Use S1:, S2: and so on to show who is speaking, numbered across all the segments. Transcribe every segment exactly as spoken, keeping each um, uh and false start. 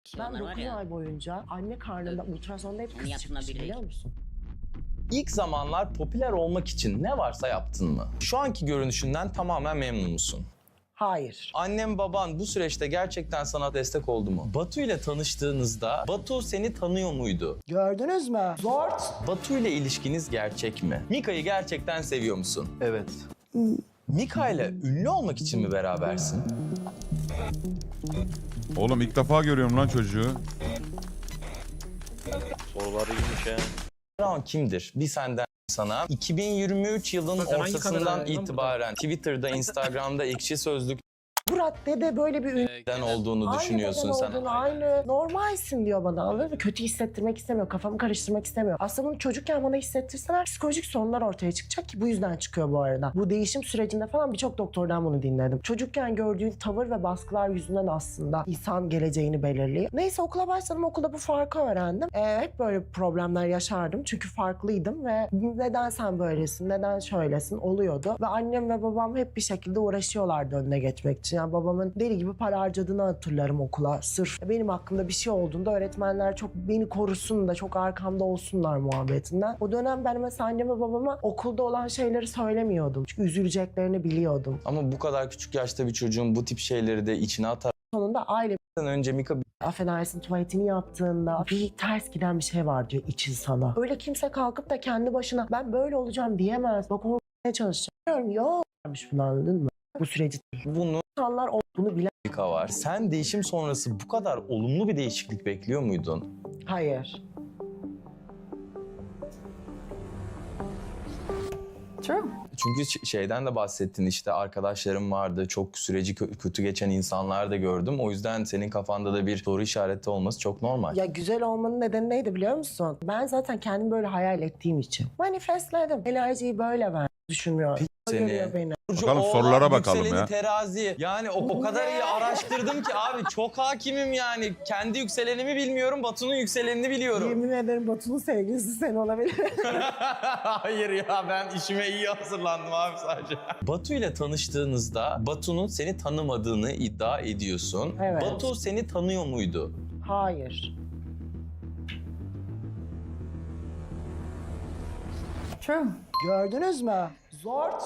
S1: Ben
S2: Onlar var
S1: dokuz
S2: ya.
S1: ay boyunca anne karnında ultrasonda hep
S2: Onun
S1: kız
S2: yaptığına
S1: çıkmıştı
S2: bir
S1: biliyor musun?
S3: İlk zamanlar popüler olmak için ne varsa yaptın mı? Şu anki görünüşünden tamamen memnun musun?
S1: Hayır.
S3: Annem baban bu süreçte gerçekten sana destek oldu mu? Batu ile tanıştığınızda Batu seni tanıyor muydu?
S1: Gördünüz mü? Zort.
S3: Batu ile ilişkiniz gerçek mi? Mika'yı gerçekten seviyor musun?
S4: Evet.
S3: Mika ile ünlü olmak için mi berabersin?
S5: Oğlum ilk defa görüyorum lan çocuğu.
S4: Soruları iyiymiş ya.
S3: Brown kimdir? Bir senden sana. iki bin yirmi üç yılın
S6: Zaten hangi
S3: ortasından
S6: kameralar lan
S3: itibaren Twitter'da, Instagram'da, Ekşi Sözlük'ten
S1: Bu raddede böyle bir ünlü.
S3: olduğunu düşünüyorsun
S1: Aynı
S3: sen.
S1: beden olduğunu, aynı normalsin diyor bana, anladın mı? Kötü hissettirmek istemiyor, kafamı karıştırmak istemiyor. Aslında bunu çocukken bana hissettirseler psikolojik sorunlar ortaya çıkacak ki bu yüzden çıkıyor bu arada. Bu değişim sürecinde falan birçok doktordan bunu dinledim. Çocukken gördüğün tavır ve baskılar yüzünden aslında insan geleceğini belirliyor. Neyse okula başladım, okulda bu farkı öğrendim. Ee, hep böyle problemler yaşardım çünkü farklıydım ve neden sen böylesin, neden şöylesin oluyordu. Ve annem ve babam hep bir şekilde uğraşıyorlardı önüne geçmek için. Yani babamın deli gibi para harcadığını hatırlarım okula. Sırf benim hakkımda bir şey olduğunda öğretmenler çok beni korusun da çok arkamda olsunlar muhabbetinden. O dönem ben mesela anneme babama okulda olan şeyleri söylemiyordum. Çünkü üzüleceklerini biliyordum.
S3: Ama bu kadar küçük yaşta bir çocuğun bu tip şeyleri de içine atar.
S1: Sonunda aile
S3: Önce Mika
S1: affedersin tuvaletini yaptığında bir ters giden bir şey var diyor için sana. Öyle kimse kalkıp da kendi başına ben böyle olacağım diyemez. Bak oraya çalışacağım. Yok. Bunu anladın mı? Bu süreci
S3: bunu
S1: insanlar o- bunu bilen.
S3: Mika var. Sen değişim sonrası bu kadar olumlu bir değişiklik bekliyor muydun?
S1: Hayır.
S7: True.
S3: Çünkü ş- şeyden de bahsettin, işte arkadaşlarım vardı, çok süreci kö- kötü geçen insanlar da gördüm. O yüzden senin kafanda da bir soru işareti olması çok normal.
S1: Ya güzel olmanın nedeni neydi biliyor musun? Ben zaten kendimi böyle hayal ettiğim için. Manifestledim. Enerjiyi böyle ver. Düşünmüyorum. O
S3: seni.
S1: görüyor beni.
S3: Burcu,
S5: Bakalım
S3: Oğlak,
S5: sorulara bakalım
S3: yükseleni
S5: ya.
S3: Terazi. Yani o, o kadar iyi araştırdım ki abi, çok hakimim yani. Kendi yükselenimi bilmiyorum, Batu'nun yükselenini biliyorum.
S1: Yemin ederim Batu'nun sevgilisi sen olabilir.
S3: Hayır ya, ben işime iyi hazırlandım abi sadece. Batu ile tanıştığınızda Batu'nun seni tanımadığını iddia ediyorsun.
S1: Evet.
S3: Batu seni tanıyor muydu?
S1: Hayır.
S7: True.
S1: Gördünüz mü? Zort.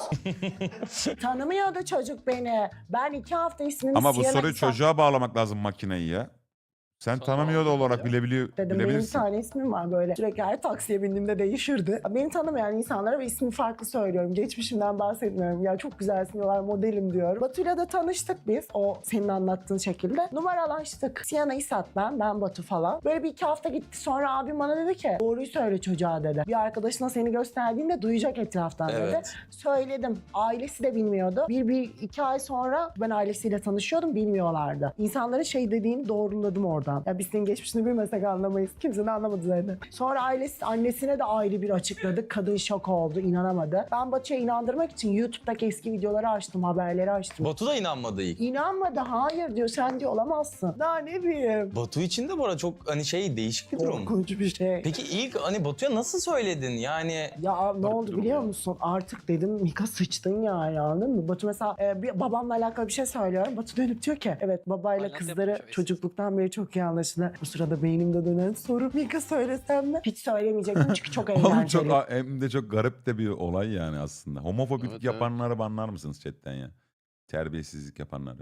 S1: Tanımıyordu çocuk beni. Ben iki hafta ismini
S5: Ama bu
S1: Sienna
S5: soruyu
S1: Kısa-
S5: çocuğa bağlamak lazım makineyi ya. Sen tanımıyor da olarak bilebiliyor,
S1: Dedim benim bir
S5: bilebilirsin.
S1: tane ismim var böyle. Sürekli her taksiye bindiğimde değişirdi. Beni tanımayan insanlara ve ismi farklı söylüyorum. Geçmişimden bahsetmiyorum. Ya çok güzelsin diyorlar, modelim diyorum. Batu'yla da tanıştık biz. O senin anlattığın şekilde. Numaralaştık. Sienna İsat ben, ben Batu falan. Böyle bir iki hafta gitti. Sonra abim bana dedi ki doğruyu söyle çocuğa dedi. Bir arkadaşına seni gösterdiğinde duyacak etraftan dedi.
S3: Evet.
S1: Söyledim. Ailesi de bilmiyordu. Bir, bir iki ay sonra ben ailesiyle tanışıyordum. Bilmiyorlardı. İnsanların şey dediğini doğruladım oradan. Ya biz senin geçmişini bilmesek anlamayız. Kimse de anlamadı zaten. Sonra ailesi, annesine de ayrı bir açıkladık. Kadın şok oldu, inanamadı. Ben Batu'ya inandırmak için YouTube'daki eski videoları açtım, haberleri açtım.
S3: Batu da inanmadı ilk.
S1: İnanmadı, hayır diyor, sen diyor olamazsın. Daha ne bileyim.
S3: Batu için de bu arada çok hani şey, değişik bir durum.
S1: Korkunç bir şey.
S3: Peki ilk hani Batu'ya nasıl söyledin yani?
S1: Ya ne oldu
S5: durum
S1: biliyor
S5: ya.
S1: musun? Artık dedim Mika sıçtın ya, anladın mı? Batu mesela e, bir babamla alakalı bir şey söylüyorum. Batu dönüp diyor ki evet babayla
S6: Aynen,
S1: kızları
S6: yapmış, evet.
S1: çocukluktan beri çok iyi anlaşılır. Bu sırada beynimde dönen soru Mika söylesem mi? Hiç söylemeyecektim çünkü çok
S5: Oğlum
S1: eğlenceli.
S5: çok, hem de çok garip de bir olay yani aslında. Homofobik
S4: Evet,
S5: yapanları banlar mısınız chatten ya? Terbiyesizlik yapanları.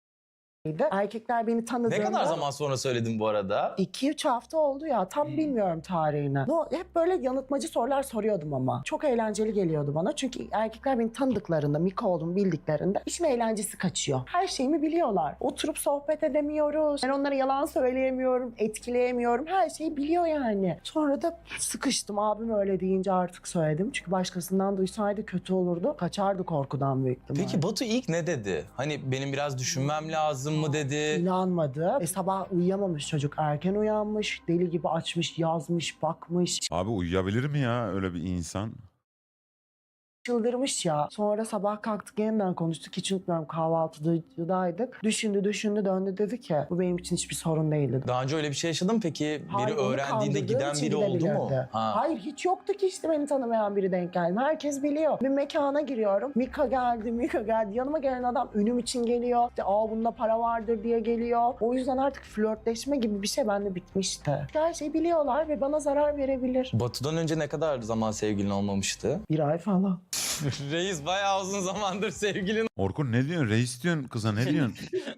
S1: Erkekler beni tanıdığında...
S3: Ne kadar zaman sonra söyledin bu arada?
S1: iki üç hafta oldu ya, tam
S3: Hmm.
S1: bilmiyorum tarihini. No, hep böyle yanıltmacı sorular soruyordum ama. Çok eğlenceli geliyordu bana. Çünkü erkekler beni tanıdıklarında, Mika olduğumu bildiklerinde işin eğlencesi kaçıyor. Her şeyimi biliyorlar. Oturup sohbet edemiyoruz. Ben onlara yalan söyleyemiyorum, etkileyemiyorum. Her şeyi biliyor yani. Sonra da sıkıştım. Abim öyle deyince artık söyledim. Çünkü başkasından duysaydı kötü olurdu. Kaçardı korkudan büyük ihtimalle.
S3: Peki Batu ilk ne dedi? Hani benim biraz düşünmem lazım mı dedi?
S1: İnanmadı. E, sabah uyuyamamış çocuk. Erken uyanmış. Deli gibi açmış, yazmış, bakmış.
S5: Abi uyuyabilir mi ya öyle bir insan?
S1: çıldırmış ya. Sonra sabah kalktık yeniden konuştuk. Hiç unutmuyorum, kahvaltıdaydık. Düşündü düşündü döndü, dedi ki bu benim için hiçbir sorun değildi.
S3: Daha önce öyle bir şey yaşadın mı peki? Biri
S1: Hayır, onu
S3: öğrendiğinde
S1: kandırdığım
S3: giden
S1: için
S3: biri oldu mu?
S1: gidebilirdi.
S3: Ha.
S1: Hayır, hiç yoktu ki işte beni tanımayan biri denk geldi. Herkes biliyor. Bir mekana giriyorum. Mika geldi, Mika geldi. Yanıma gelen adam ünüm için geliyor. İşte aa bunda para vardır diye geliyor. O yüzden artık flörtleşme gibi bir şey bende bitmişti. Her şeyi biliyorlar ve bana zarar verebilir.
S3: Batu'dan önce ne kadar zaman sevgilin olmamıştı?
S1: Bir ay falan.
S3: Reis bayağı uzun zamandır sevgilin
S5: Orkun ne diyorsun? Reis diyorsun kıza, ne diyorsun?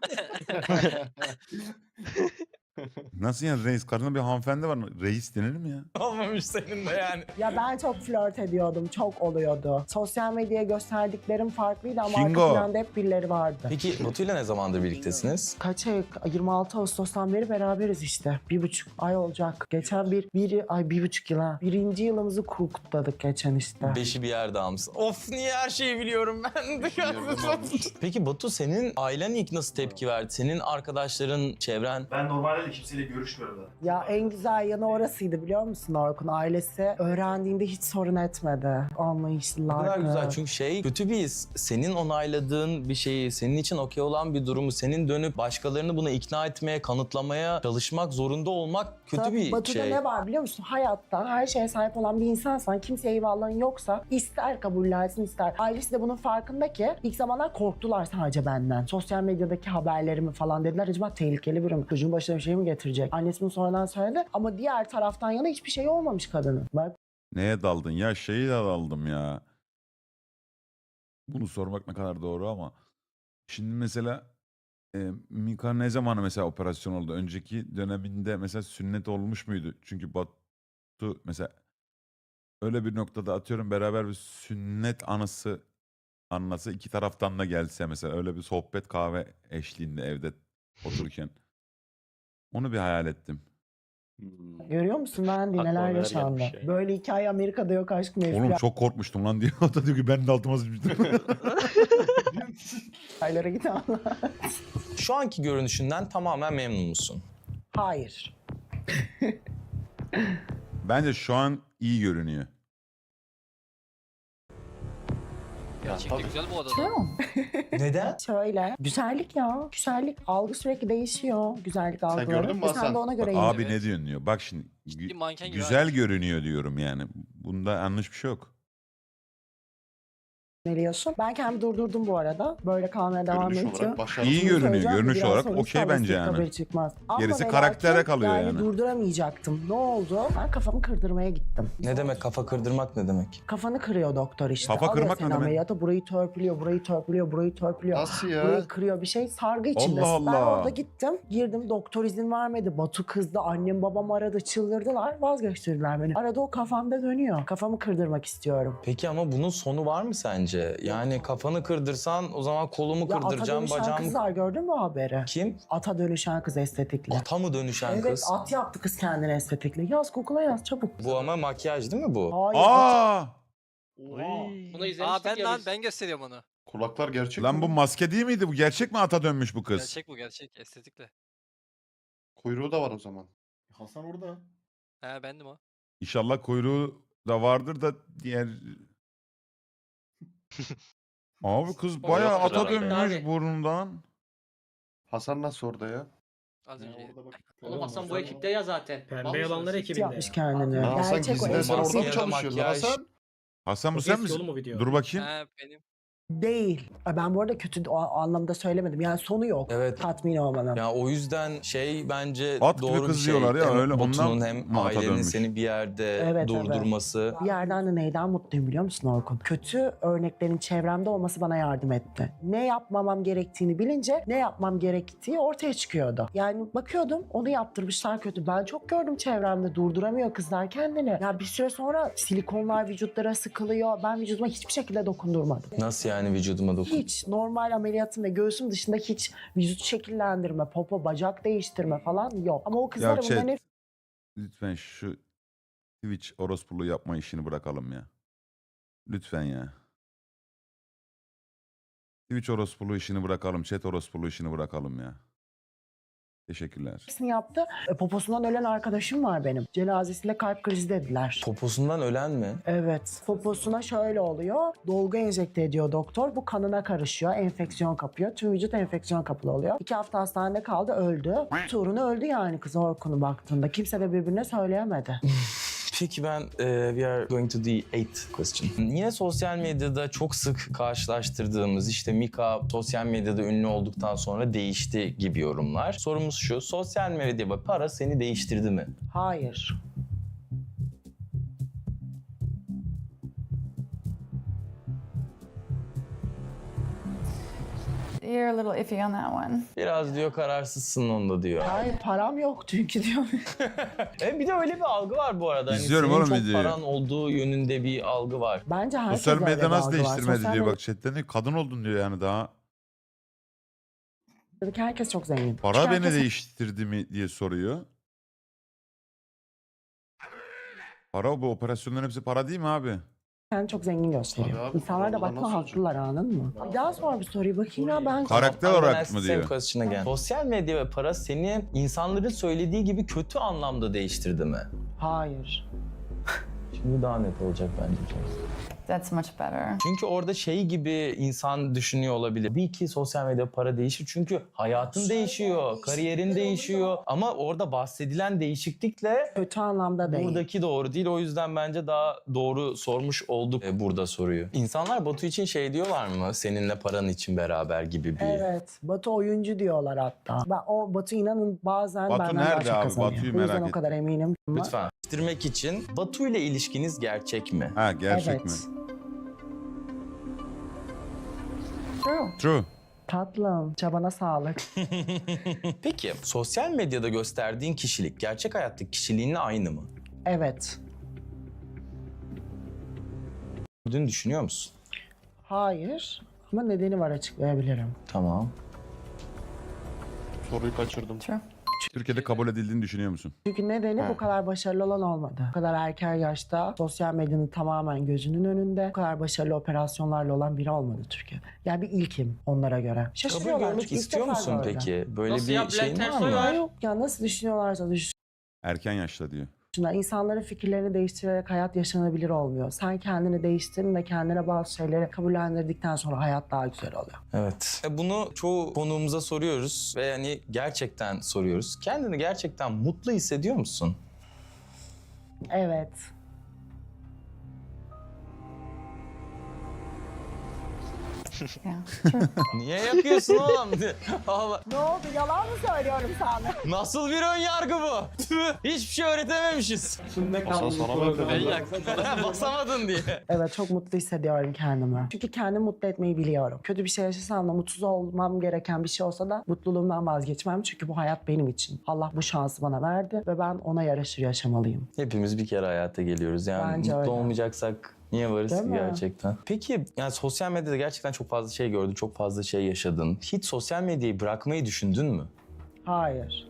S5: Nasıl yani reis? Karşında bir hanımefendi var mı? Reis denir mi ya?
S3: olmamış senin de yani.
S1: Ya ben çok flört ediyordum. Çok oluyordu. Sosyal medyaya gösterdiklerim farklıydı ama
S5: Kingo.
S1: arka planda hep birileri vardı.
S3: Peki Batu'yla ne zamandır birliktesiniz?
S1: Kaç ay? yirmi altı Ağustos'tan beri beraberiz işte. Bir buçuk ay olacak. Geçen bir, bir ay bir buçuk yıl ha. Birinci yılımızı kutladık geçen işte.
S3: Beşi bir yerde almışsın. Of niye her şeyi biliyorum ben de. Peki Batu, senin ailen ilk nasıl tepki verdi? Senin arkadaşların, çevren?
S2: Ben normalde de kimseyle görüşmüyorum da.
S1: Ya en güzel yanı orasıydı biliyor musun Orkun? Ailesi öğrendiğinde hiç sorun etmedi.
S3: Ne
S1: Anlayışlılardı.
S3: kadar güzel, çünkü şey kötü bir his. Senin onayladığın bir şeyi, senin için okey olan bir durumu, senin dönüp başkalarını buna ikna etmeye, kanıtlamaya çalışmak zorunda olmak kötü
S1: Tabii,
S3: bir
S1: Batu'da
S3: şey.
S1: ne var biliyor musun? Hayatta her şeye sahip olan bir insansan, kimseye eyvallahın yoksa ister kabullensin ister. Ailesi de bunun farkında ki ilk zamanlar korktular sadece benden. Sosyal medyadaki haberlerimi falan dediler. Acaba tehlikeli biri mi? Çocuğun başına bir şey mi getirecek? Annesi bunu sonradan söyledi ama diğer taraftan yana hiçbir şey olmamış kadının. Bak
S5: Neye daldın ya? Şeyi de daldım ya. Bunu sormak ne kadar doğru ama. Şimdi mesela e, Mika ne zaman mesela operasyon oldu? Önceki döneminde mesela sünnet olmuş muydu? Çünkü Batu mesela öyle bir noktada atıyorum beraber bir sünnet anısı anlası iki taraftan da gelse mesela öyle bir sohbet kahve eşliğinde evde otururken. Onu bir hayal ettim.
S1: görüyor musun ben
S2: Aklıma
S1: neler
S2: neler
S1: yaşandı.
S2: gelmiş ya.
S1: Böyle hikaye Amerika'da yok aşkım.
S5: Oğlum çok korkmuştum lan diyor. O da diyor ki ben de altıma sıçmıştım.
S1: F B I'lara giden
S3: Şu anki görünüşünden tamamen memnun musun?
S1: Hayır.
S5: Bence şu an iyi görünüyor.
S4: Gerçekten güzel bu arada.
S7: True.
S3: Neden?
S1: Şöyle. Güzellik ya. Güzellik. Algı sürekli değişiyor. Güzellik algıları.
S2: gördün mü
S1: Ve sen
S2: Hasan?
S1: de ona göre
S5: Bak,
S1: iyi.
S5: abi
S4: Evet.
S5: ne diyorsun diyor. Bak şimdi
S4: Ciddi
S5: gü-
S4: manken gibi
S5: güzel
S4: abi.
S5: görünüyor diyorum yani. Bunda yanlış bir şey yok.
S1: Biliyorsun. Ben kendimi durdurdum bu arada. Böyle kalmaya devam
S2: Görünüş
S1: edeceğim.
S2: olarak başarılı.
S5: İyi
S1: Bunu
S5: görünüyor.
S1: söyleyeceğim de
S5: Görünüş
S1: biraz
S5: olarak
S1: sonra
S5: okey
S1: İstanbul
S5: bence
S1: State
S5: yani.
S1: haberi çıkmaz. Ama
S5: Gerisi
S1: ve
S5: karaktere
S1: lakin
S5: kalıyor
S1: yani.
S5: yani.
S1: durduramayacaktım. Ne oldu? Ben kafamı kırdırmaya gittim.
S3: Ne demek kafa kırdırmak, ne demek?
S1: Kafanı kırıyor doktor işte.
S5: Kafa
S1: Alıyor
S5: kırmak ne
S1: seni
S5: demek?
S1: ameliyata, burayı törpülüyor, burayı törpülüyor, burayı törpülüyor.
S2: Nasıl ya?
S1: Burayı kırıyor, bir şey sargı içindesin.
S5: Allah
S1: Ben
S5: Allah.
S1: orada gittim, girdim, doktor izin vermedi. Batu kızdı, annem babam aradı, çıldırdılar, vazgeçtirdiler beni. Arada o kafamda dönüyor. Kafamı kırdırmak istiyorum.
S3: Peki ama bunun sonu var mı sence? Yani kafanı kırdırsan o zaman kolumu
S1: Ya ata
S3: kırdıracağım,
S1: dönüşen
S3: bacağımı...
S1: kızlar gördün mü haberi?
S3: Kim?
S1: Ata dönüşen kız estetikle.
S3: Ata mı dönüşen
S1: Evet,
S3: kız?
S1: at yaptı kız kendine estetikle. Yaz Google'a yaz çabuk.
S3: Bu ama makyaj değil mi bu?
S1: Hayır, at.
S5: Aa!
S6: Bunu
S4: Aa
S6: izlemiştik
S4: ben
S6: ya
S4: lan
S6: biz.
S4: ben gösteriyorum onu.
S2: Kulaklar gerçek
S5: Lan
S2: mi?
S5: bu maske değil miydi? Bu gerçek mi ata dönmüş bu kız?
S4: Gerçek bu gerçek estetikle.
S2: Kuyruğu da var o zaman.
S6: Hasan orada.
S4: He bendim o.
S5: İnşallah kuyruğu da vardır da diğer... Abi kız
S6: O
S5: bayağı
S6: yoktur
S5: ata
S6: herhalde.
S5: dönmüş
S6: Abi.
S5: burnundan.
S2: Hasan nasıl orada ya?
S4: Az önce.
S6: Oğlum Hasan bu ekipte ya zaten.
S8: Pembe
S6: Vallahi
S8: yalanlar
S6: söylüyorsun.
S8: ekibinde.
S1: yapmış kendini.
S2: Lan Hasan
S1: Gerçek o
S2: gizliden sen
S1: estetik
S2: orada mı
S3: Maske ya da
S2: çalışıyorsun
S3: makyaj.
S2: Hasan?
S5: Hasan bu
S8: O
S5: sen
S8: eski
S5: misin?
S8: oğlum o video.
S5: Dur bakayım.
S4: He benim.
S1: Değil. Ben bu arada kötü o anlamda söylemedim. Yani sonu yok.
S3: Evet.
S1: Tatmin olmanın.
S3: Ya o yüzden şey bence
S5: At gibi
S3: doğru bir
S5: kız
S3: şey.
S5: diyorlar ya,
S3: Hem
S5: öyle ondan
S3: Batu'nun hem
S5: mı ata
S3: ailenin
S5: dönmüş?
S3: seni bir yerde
S1: Evet,
S3: durdurması.
S1: Bir yerden de neyden mutluyum biliyor musun Orkun? Kötü örneklerin çevremde olması bana yardım etti. Ne yapmamam gerektiğini bilince ne yapmam gerektiği ortaya çıkıyordu. Yani bakıyordum onu yaptırmışlar kötü. Ben çok gördüm çevremde durduramıyor kızlar kendini. Ya bir süre sonra silikonlar vücutlara sıkılıyor. Ben vücuduma hiçbir şekilde dokundurmadım.
S3: Nasıl yani vücuduma dokun?
S1: Hiç normal ameliyatım ve göğsüm dışında hiç vücut şekillendirme, popo, bacak değiştirme falan yok. Ama o kızlar
S5: Ya chat,
S1: bunların hep
S5: lütfen şu Twitch orospuluğu yapma işini bırakalım ya. Lütfen ya. Twitch orospuluğu işini bırakalım. Chat orospuluğu işini bırakalım ya. Teşekkürler.
S1: hepsini yaptı. E, poposundan ölen arkadaşım var benim. Cenazesinde kalp krizi dediler.
S3: Poposundan ölen mi?
S1: Evet. Poposuna şöyle oluyor. Dolgu enjekte ediyor doktor. Bu kanına karışıyor. Enfeksiyon kapıyor. Tüm vücut enfeksiyon kapılı oluyor. İki hafta hastanede kaldı. Öldü. Tuğrunu öldü yani kız Orkun'u baktığında. Kimse de birbirine söyleyemedi.
S3: Peki ben e, we are going to the eighth question. Yine sosyal medyada çok sık karşılaştırdığımız işte Mika sosyal medyada ünlü olduktan sonra değişti gibi yorumlar. Sorumuz şu, sosyal medya ve para seni değiştirdi mi?
S1: Hayır.
S7: You're a little iffy on that one.
S3: Biraz diyor kararsızsın onda diyor.
S1: Hayır param yok çünkü diyor.
S3: E bir de öyle bir algı var bu arada. Hani
S5: İzliyorum
S3: senin
S5: oğlum
S3: çok
S5: videoyu.
S3: paran olduğu yönünde bir algı var.
S1: Bence herkes
S5: Sosyal
S1: öyle
S5: medya
S1: bir
S5: nasıl
S1: algı var.
S5: değiştirmedi
S1: Sosyal
S5: diyor
S1: medyada
S5: bak chatten diyor. Kadın oldun diyor yani daha.
S1: herkes çok zengin.
S5: Para
S1: Çünkü
S5: beni
S1: herkes
S5: değiştirdi mi diye soruyor. Para bu operasyonların hepsi para değil mi abi?
S1: kendini çok zengin gösteriyor.
S2: Tabii abi,
S1: İnsanlar da
S2: vallahi
S1: bakma
S2: nasıl olacak?
S1: haklılar anladın mı? Bir daha sor bir soruyu bakayım ya ben.
S5: Karakter
S3: I'm gonna
S5: olarak
S3: ask
S5: mı
S3: the same
S5: diyor?
S3: question again. Sosyal medya ve para seni insanların söylediği gibi kötü anlamda değiştirdi mi?
S1: Hayır.
S3: Şimdi daha net olacak bence.
S7: That's much better.
S3: Çünkü orada şey gibi insan düşünüyor olabilir. Bir ki sosyal medya para değişir çünkü hayatın değişiyor, kariyerin değişiyor. Ama orada bahsedilen değişiklikle
S1: Kötü anlamda değil.
S3: buradaki doğru değil. O yüzden bence daha doğru sormuş olduk e, burada soruyu. İnsanlar Batu için şey diyorlar mı? Seninle paran için beraber gibi bir...
S1: Evet. Batu oyuncu diyorlar hatta. Ben, o Batu inanın bazen
S5: Batu
S1: benden
S5: nerede
S1: daha çok
S5: abi?
S1: kazanıyor.
S5: Batu'yu
S1: Bu yüzden
S5: merak
S1: o
S5: ettim.
S1: kadar eminim. Ama
S3: Lütfen. Değiştirmek için Batu ile ilişkiniz gerçek mi?
S5: Ha gerçek
S1: evet.
S5: mi?
S7: True.
S5: True.
S1: Tatlım. Çabana sağlık.
S3: Peki sosyal medyada gösterdiğin kişilik gerçek hayattaki kişiliğinle aynı mı?
S1: Evet.
S3: Bunu düşünüyor musun?
S1: Hayır. Ama nedeni var açıklayabilirim.
S3: Tamam.
S2: Soruyu kaçırdım.
S7: True.
S5: Türkiye'de kabul edildiğini düşünüyor musun?
S1: Çünkü nedeni
S2: Ha.
S1: bu kadar başarılı olan olmadı. Bu kadar erken yaşta sosyal medyanın tamamen gözünün önünde bu kadar başarılı operasyonlarla olan biri olmadı Türkiye'de. Yani bir ilkim onlara göre.
S3: Kabul
S1: Şaşırıyorlar.
S3: görmek
S1: çünkü ilk
S3: istiyor
S1: defa
S3: musun
S1: gördüm.
S3: peki? Böyle
S6: Nasıl
S3: bir
S6: ya?
S3: şeyin
S6: Bülent
S3: var
S6: Ersoy
S3: mı?
S6: var.
S1: Yok ya nasıl düşünüyorlarsa
S5: Erken yaşta diyor.
S1: düşünsünler. İnsanların fikirlerini değiştirerek hayat yaşanabilir olmuyor. Sen kendini değiştirin ve kendine bazı şeyleri kabullendirdikten sonra hayat daha güzel oluyor.
S3: Evet. E, Bunu çoğu konuğumuza soruyoruz ve hani gerçekten soruyoruz. Kendini gerçekten mutlu hissediyor musun?
S1: Evet.
S7: Yeah. True.
S3: Niye yakıyorsun oğlum? Allah.
S1: Ne oldu? Yalan mı söylüyorum sana?
S3: Nasıl bir ön yargı bu? Tüh, hiçbir şey öğretememişiz.
S2: Hasan sana mı
S4: Ben
S2: öyle?
S4: yaktım.
S3: Basamadın diye.
S1: Evet çok mutlu hissediyorum kendimi. Çünkü kendimi mutlu etmeyi biliyorum. Kötü bir şey yaşasam da mutsuz olmam gereken bir şey olsa da mutluluğumdan vazgeçmem. Çünkü bu hayat benim için. Allah bu şansı bana verdi ve ben ona yaraşır yaşamalıyım.
S3: Hepimiz bir kere hayata geliyoruz. Yani
S1: Bence
S3: mutlu
S1: öyle.
S3: olmayacaksak niye varız
S1: Değil
S3: ki
S1: mi?
S3: gerçekten? Peki yani sosyal medyada gerçekten çok fazla şey gördün, çok fazla şey yaşadın. Hiç sosyal medyayı bırakmayı düşündün mü?
S1: Hayır.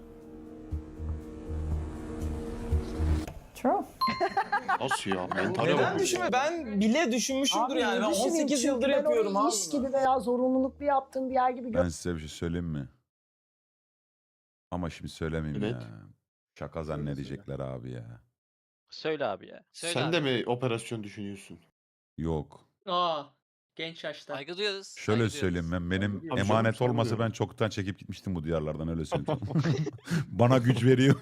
S7: True.
S2: Nasıl ya? Mentale
S3: Neden
S2: bak.
S3: düşünme? Ben bile düşünmüşümdür
S1: Abi,
S3: yani. Ben
S1: düşüneyim
S3: on sekiz
S1: çünkü
S3: yıldır
S1: ben
S3: yapıyorum
S1: onu
S3: abi.
S1: iş gibi veya zorunluluklu yaptığım bir yer gibi
S5: Ben size bir şey söyleyeyim mi? Ama şimdi söylemeyeyim
S2: Evet.
S5: ya. Şaka zannedecekler abi ya.
S8: Söyle abi ya.
S4: Söyle
S2: Sen
S4: abi.
S2: de mi operasyon düşünüyorsun?
S5: Yok.
S6: Aa, genç yaşta.
S4: Saygı duyuyoruz.
S5: Şöyle
S4: saygı
S5: söyleyeyim
S4: duyuyoruz.
S5: ben benim
S2: Tabii canım,
S5: emanet
S2: sorun
S5: olmasa
S2: yok.
S5: ben çoktan çekip gitmiştim bu diyarlardan öyle söyleyeyim. Bana güç veriyor.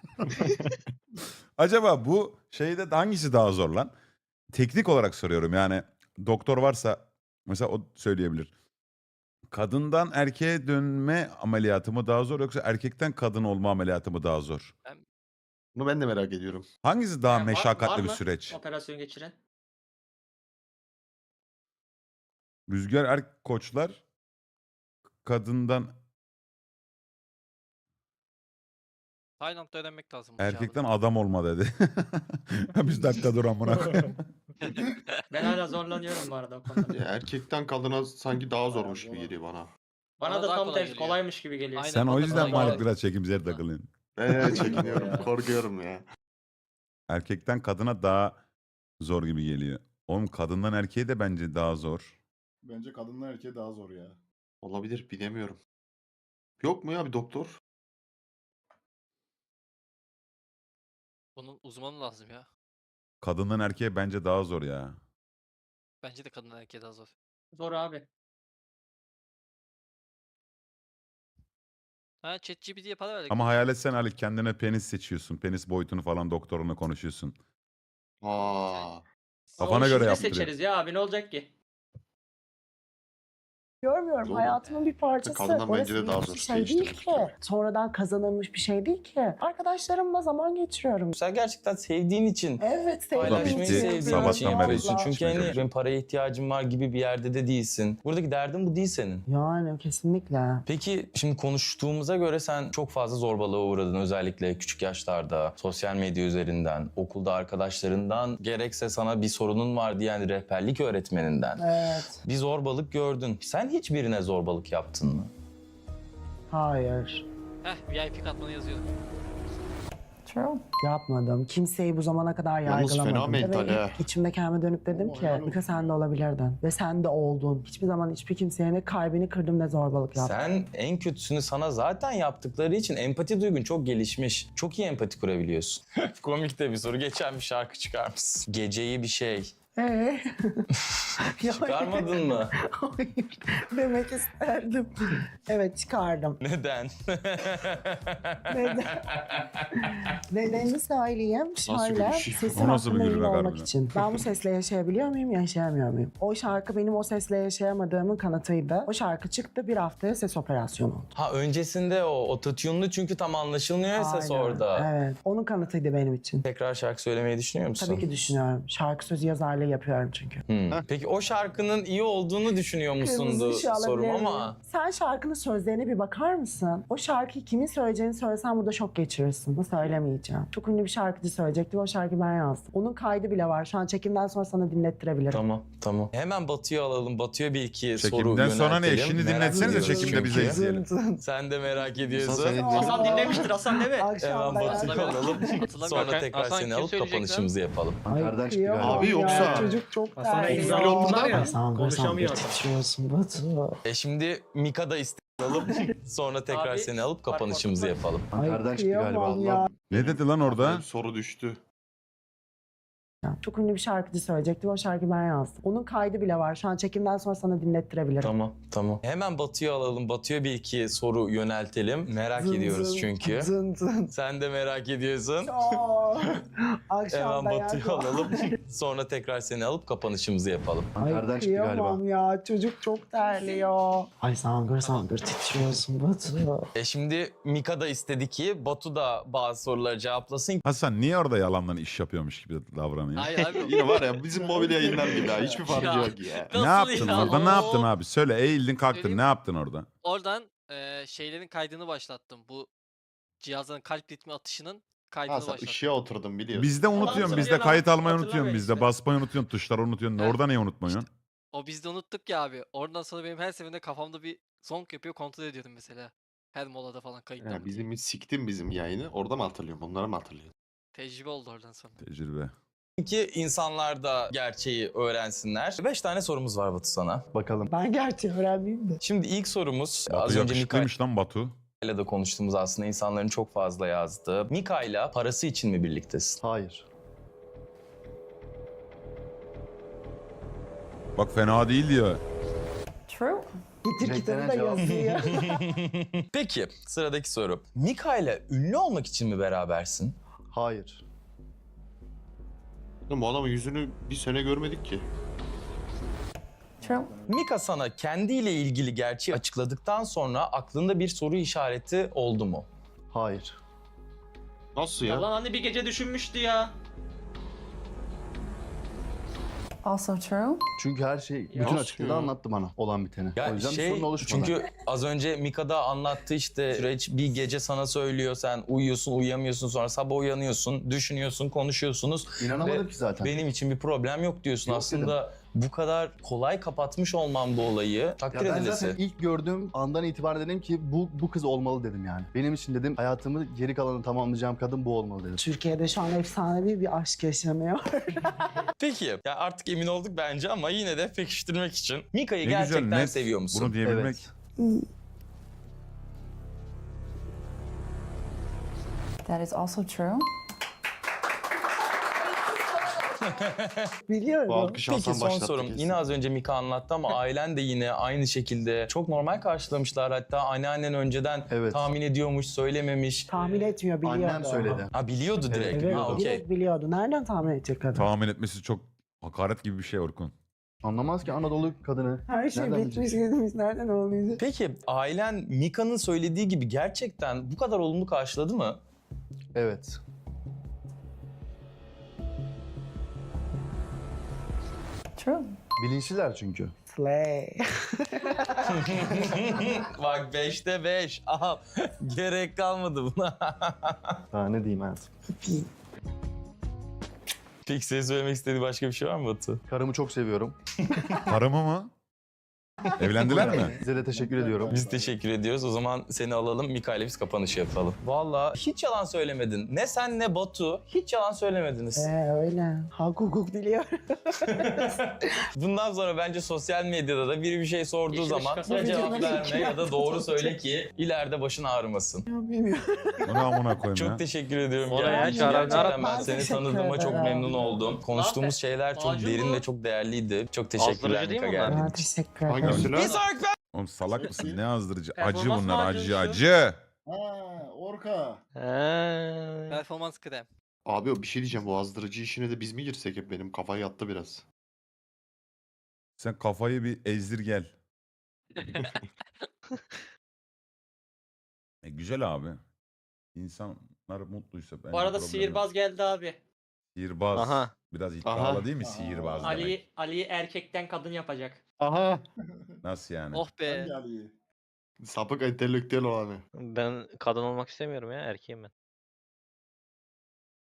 S5: Acaba bu şeyde de hangisi daha zor lan? Teknik olarak soruyorum yani doktor varsa mesela o söyleyebilir. Kadından erkeğe dönme ameliyatı mı daha zor yoksa erkekten kadın olma ameliyatı mı daha zor?
S2: Bunu ben de merak ediyorum.
S5: Hangisi daha
S6: Yani var-
S5: meşakkatli
S6: var
S5: bir
S6: mı
S5: süreç?
S6: Operasyon geçiren.
S5: Rüzgar er koçlar kadından
S4: Tayland'da öğrenmek lazım. bu cevabı.
S5: erkekten adam olma dedi. Biz dakika dur amına koyayım.
S6: Ben hala zorlanıyorum bu arada o konuda.
S2: Ya erkekten kadına sanki daha zormuş gibi geliyor bana.
S6: Bana
S4: Bana
S6: da
S4: daha
S6: tam
S4: kolay
S6: tersi
S4: geliyor.
S6: kolaymış gibi geliyor.
S4: Aynen.
S5: Sen o
S4: bana
S5: yüzden
S4: kolay
S5: Malik
S4: geldi.
S5: biraz çekimsel takılıyorsun.
S2: Eee çekiniyorum, korkuyorum ya.
S5: Erkekten kadına daha zor gibi geliyor. Oğlum kadından erkeğe de bence daha zor.
S9: Bence kadınla erkeğe daha zor ya.
S2: Olabilir, bilemiyorum. Yok mu ya bir doktor?
S4: Bunun uzmanı lazım ya.
S5: Kadından erkeğe bence daha zor ya.
S4: Bence de kadın erkeğe daha zor.
S6: Zor abi.
S4: Ha ChatGPT'ye para verdik.
S5: Ama hayal etsen Ali kendine penis seçiyorsun. Penis boyutunu falan doktorunla konuşuyorsun.
S2: Aa.
S5: Kafana
S6: Onu
S5: göre
S6: şimdi de
S5: yaptırıyor.
S6: seçeriz ya abi ne olacak ki?
S1: Görmüyorum.
S2: Zor.
S1: Hayatımın bir parçası.
S2: Kadından bence
S1: Orası
S2: de daha
S1: büyük
S2: zor
S1: bir şey değil
S2: değiştirmek
S1: ki.
S2: yani.
S1: Sonradan kazanılmış bir şey değil ki. Arkadaşlarımla zaman geçiriyorum.
S3: Sen gerçekten sevdiğin için
S1: Evet, sevdiğim
S3: paylaşmayı
S1: için
S3: sevdiğin
S1: yapıyorum.
S3: için
S5: Sabahtan beri
S3: yapıyorsun.
S1: Allah.
S3: Çünkü hani benim paraya ihtiyacım var gibi bir yerde de değilsin. Buradaki derdin bu değil senin.
S1: Yani kesinlikle.
S3: Peki şimdi konuştuğumuza göre sen çok fazla zorbalığa uğradın. Özellikle küçük yaşlarda, sosyal medya üzerinden, okulda arkadaşlarından, gerekse sana bir sorunun var diyen rehberlik öğretmeninden.
S1: Evet.
S3: Bir zorbalık gördün. Sen hiç birine zorbalık yaptın mı?
S1: Hayır.
S4: Heh V I P katmanı yazıyor.
S7: True.
S1: Yapmadım. Kimseyi bu zamana kadar
S2: Yalnız fena
S1: yargılamadım.
S2: mental
S1: Ve
S2: ha.
S1: içimde kendime dönüp dedim ki Mika sen de olabilirdin. Ve sen de oldun. Hiçbir zaman hiçbir kimseye ne kalbini kırdım ne zorbalık yaptım.
S3: Sen en kötüsünü sana zaten yaptıkları için empati duygun çok gelişmiş. Çok iyi empati kurabiliyorsun. Komik de bir soru. Geçen bir şarkı çıkarmışsın. Geceyi bir şey.
S1: Ee? Ya-
S3: Çıkarmadın mı?
S1: Hayır. Demek isterdim. Evet çıkardım.
S3: Neden?
S1: Neden? Nedenini söyleyeyim.
S2: Nasıl
S1: Şöyle
S2: bir şey?
S1: sesim
S5: O nasıl bir
S1: hakkında
S5: gülmek
S1: emin olmak
S5: harbiden?
S1: için. Ben bu sesle yaşayabiliyor muyum, yaşayamıyor muyum? O şarkı benim o sesle yaşayamadığımın kanıtıydı. O şarkı çıktı, bir haftaya ses operasyonu oldu.
S3: Ha öncesinde o ototune'lu çünkü tam anlaşılmıyor ya ses
S1: Aynen,
S3: orada.
S1: Evet. Onun kanıtıydı benim için.
S3: Tekrar şarkı söylemeyi düşünüyor musun?
S1: Tabii ki düşünüyorum. Şarkı sözü yazarlığı yapıyorum çünkü.
S3: Hmm. Peki o şarkının iyi olduğunu düşünüyor musundu
S1: Kırmızı ışığı
S3: sorum
S1: alabilir miyim?
S3: ama.
S1: Sen şarkının sözlerine bir bakar mısın? O şarkıyı kimin söyleyeceğini söylesen burada şok geçirirsin. Bunu söylemeyeceğim. Çok ünlü bir şarkıcı söyleyecekti ve o şarkıyı ben yazdım. Onun kaydı bile var. Şu an çekimden sonra sana dinlettirebilirim.
S3: Tamam tamam. Hemen Batu'yu alalım. Batu'ya bir iki soru
S5: Çekimden sonra ne?
S3: yöneltelim.
S5: Şimdi
S3: Merak
S5: dinletsenize
S3: ediyoruz
S5: çekimde bize
S3: çünkü.
S5: izleyelim.
S3: Sen de merak ediyorsun.
S2: Hasan sen-
S6: Hasan dinlemiştir Hasan değil mi?
S3: Hemen
S1: Akşam ben
S3: Batu'yu
S4: Hatırlamıyorum.
S3: alalım.
S4: Hatırlamıyorum.
S3: Sonra
S4: Hakan-
S3: tekrar
S4: Hasan
S3: seni
S4: kim
S3: alıp
S4: söyleyecek
S3: kapanışımızı yapalım.
S9: Kardeş gibi
S1: kıyamam
S9: galiba.
S2: Abi yoksa-
S1: ya, Çocuk çok
S6: Hasan'a
S1: terli.
S6: ezber oldular ya.
S1: Hasan,
S6: Konuşamıyor
S1: Hasan,
S6: Hasan.
S1: titriyorsun Batu.
S3: E şimdi Mika da isteği alıp sonra tekrar
S6: Abi,
S3: seni alıp
S6: bak,
S3: kapanışımızı
S6: bak, bak.
S3: yapalım.
S1: Ay
S9: Kardeş gibi galiba.
S1: kıyamam ya.
S9: Allah.
S5: Ne dedi lan orada?
S2: Bir soru düştü.
S1: Çok ünlü bir şarkıcı söyleyecekti ve o şarkıyı ben yazdım. Onun kaydı bile var. Şu an çekimden sonra sana dinlettirebilirim.
S3: Tamam tamam. Hemen Batu'yu alalım. Batu'ya bir iki soru yöneltelim. Merak
S1: Zın
S3: ediyoruz
S1: zın,
S3: çünkü.
S1: Zın zın.
S3: Sen de merak ediyorsun.
S1: Çok. Akşam
S3: Hemen
S1: dayak
S3: Batu'yu
S1: var.
S3: alalım. Sonra tekrar seni alıp kapanışımızı yapalım.
S1: Ay
S9: Kardeş gibi galiba.
S1: kıyamam ya. Çocuk çok terliyor. Ay sangır sangır titriyorsun Batu.
S3: E şimdi Mika da istedi ki Batu da bazı soruları cevaplasın.
S5: Hasan niye orada yalandan iş yapıyormuş gibi davranıyor?
S4: Hayır abi.
S2: Yine var ya bizim mobil yayınlar gibi ya. Hiçbir farkı
S4: Ya.
S2: yok ya.
S5: Ne
S4: Nasıl
S5: yaptın
S4: ya?
S5: orada? Ne
S4: Oo.
S5: yaptın abi? Söyle eğildin kalktın.
S4: Söyleyeyim.
S5: Ne yaptın orada?
S4: Oradan eee, şeylerin kaydını başlattım. Bu cihazların kalp ritmi atışının kaydını
S2: Ha sen
S4: başlattım.
S2: ışığa oturdun biliyorsun.
S5: Bizde unutuyorsun. Bizde
S6: hatırlıyor
S5: kayıt
S6: lan,
S5: almayı unutuyorsun.
S6: hatırlamıyor
S5: Bizde
S6: işte.
S5: basmayı unutuyorsun. Tuşları unutuyorsun.
S4: Evet.
S5: Orada neyi unutmuyorsun?
S4: O biz de unuttuk ya abi. Oradan sonra benim her seferinde kafamda bir zonk yapıyor kontrol ediyordum mesela. Her molada falan kayıtlı
S2: Ya
S4: mı diye.
S2: bizim siktin bizim yayını. Orada mı hatırlıyorum? Onları mı hatırlıyorum?
S4: Tecrübe oldu oradan sonra.
S5: Tecrübe.
S3: Ki insanlar da gerçeği öğrensinler. Beş tane sorumuz var Batu sana.
S9: Bakalım.
S1: Ben gerçi öğrenmeyeyim de.
S3: Şimdi ilk sorumuz
S5: Batu
S3: az önce Mika
S5: yakışıklıymış lan Batu.
S3: ile de konuştuğumuz aslında insanların çok fazla yazdığı. Mika ile parası için mi birliktesin?
S9: Hayır.
S5: Bak fena değil diyor.
S7: True.
S1: Getir kitabı da
S9: Renklenen cevap.
S1: yazıyor.
S3: Peki sıradaki soru. Mika ile ünlü olmak için mi berabersin?
S9: Hayır.
S2: Oğlum bu adamın yüzünü bir sene görmedik ki.
S7: True.
S3: Mika sana kendiyle ilgili gerçeği açıkladıktan sonra aklında bir soru işareti oldu mu?
S9: Hayır.
S2: Nasıl
S6: Ya
S2: ya?
S6: lan hani bir gece düşünmüştü ya.
S7: Also true.
S9: Çünkü her şey bütün
S2: Nasıl
S9: açıklığı
S2: ya?
S9: anlattı bana olan biteni.
S3: Ya
S9: o yüzden bir
S3: şey,
S9: sorun oluşmadı.
S3: çünkü az önce Mika'da anlattı işte süreç bir gece sana söylüyor, sen uyuyorsun uyuyamıyorsun, sonra sabah uyanıyorsun, düşünüyorsun, konuşuyorsunuz.
S9: İnanamadım
S3: Ve
S9: ki zaten.
S3: Benim için bir problem yok diyorsun.
S9: Yok
S3: Aslında bu kadar kolay kapatmış olmam bu olayı takdir
S9: Ya ben
S3: edilesi.
S9: zaten ilk gördüğüm andan itibaren dedim ki bu bu kız olmalı dedim yani. Benim için dedim hayatımı geri kalanını tamamlayacağım kadın bu olmalı dedim.
S1: Türkiye'de şu an efsanevi bir aşk yaşanıyor.
S3: Peki ya artık emin olduk bence ama yine de pekiştirmek için Mika'yı
S5: Ne güzel
S3: gerçekten
S5: net
S3: seviyor musun?
S5: bunu diyebilmek.
S9: Evet.
S7: That is also true.
S1: Biliyorum.
S2: Bu alkış
S3: Peki
S2: Hasan
S3: son
S2: başlattı
S3: sorum.
S2: kesin.
S3: Yine az önce Mika anlattı ama ailen de yine aynı şekilde çok normal karşılamışlar. Hatta anneannen önceden
S9: Evet.
S3: tahmin ediyormuş, söylememiş.
S1: Tahmin etmiyor, biliyordu.
S9: Annem söyledi.
S3: Ha biliyordu direkt.
S9: Evet,
S1: Evet,
S9: biliyordu.
S3: Ha, okey.
S1: direkt biliyordu. Nereden tahmin edecek kadın?
S5: Tahmin etmesi çok hakaret gibi bir şey Orkun.
S9: Anlamaz ki Anadolu kadını.
S1: Her şey
S9: Nereden
S1: bitmiş gitmiş. Nereden olmayacak?
S3: Peki ailen Mika'nın söylediği gibi gerçekten bu kadar olumlu karşıladı mı?
S9: Evet.
S7: True.
S9: Bilinçliler çünkü.
S1: Slay.
S3: Bak beşte beş. Aha gerek kalmadı buna.
S9: Daha ne diyeyim hayatım.
S3: Peki senin söylemek istediğin başka bir şey var mı Batu?
S9: Karımı çok seviyorum.
S5: Karımı mı? Evlendiler mi?
S9: Size de teşekkür ediyorum.
S3: Biz teşekkür ediyoruz. O zaman seni alalım. Mika ile biz kapanışı yapalım. Valla hiç yalan söylemedin. Ne sen ne Batu hiç yalan söylemediniz.
S1: Ee, öyle. Hak hukuk biliyor.
S3: Bundan sonra bence sosyal medyada da biri bir şey sorduğu
S6: Yeşil
S3: zaman
S6: ışık
S3: ya
S6: kasa-
S3: cevap
S1: Videoda
S3: verme ya da doğru söyle ki ileride başın ağrımasın.
S1: Ya bilmiyorum.
S5: Bunu amına koyayım ya.
S3: Çok teşekkür ediyorum.
S8: Oraya
S3: Gerçekten,
S8: çağıran
S3: gerçekten
S8: Arap-
S3: ben
S1: Ben
S3: seni
S1: teşekkür
S3: tanıdığıma çok
S1: ederim.
S3: memnun oldum. Konuştuğumuz şeyler çok
S6: Macun
S3: derin
S6: bu.
S3: ve çok değerliydi. Çok teşekkürler
S8: Azdırıcı değil
S3: Mika
S8: mi bunlar?
S3: geldiğin
S1: Ben
S3: için.
S1: teşekkür ederim.
S2: Hangisi lan?
S3: Bir sonraki
S5: Oğlum salak mısın? Ne azdırıcı? Acı
S6: Performans
S5: bunlar acı
S6: macuncusu.
S5: acı.
S9: Ha, Orka.
S8: He.
S4: Performans krem.
S2: Abi o bir şey diyeceğim. Bu azdırıcı işine de biz mi girsek hep? Benim kafa yattı biraz.
S5: Sen kafayı bir ezdir gel. E, güzel abi. İnsanlar mutluysa bence
S6: Bu arada
S5: problem
S6: sihirbaz
S5: yok.
S6: geldi abi.
S5: Sihirbaz.
S8: Aha.
S5: Biraz iddialı
S2: Aha.
S5: değil mi sihirbaz demek?
S6: Ali Ali erkekten kadın yapacak.
S2: Aha.
S5: Nasıl yani?
S4: Oh be.
S2: Sapık entelektüel olanı.
S8: Ben kadın olmak istemiyorum ya, erkeğim ben.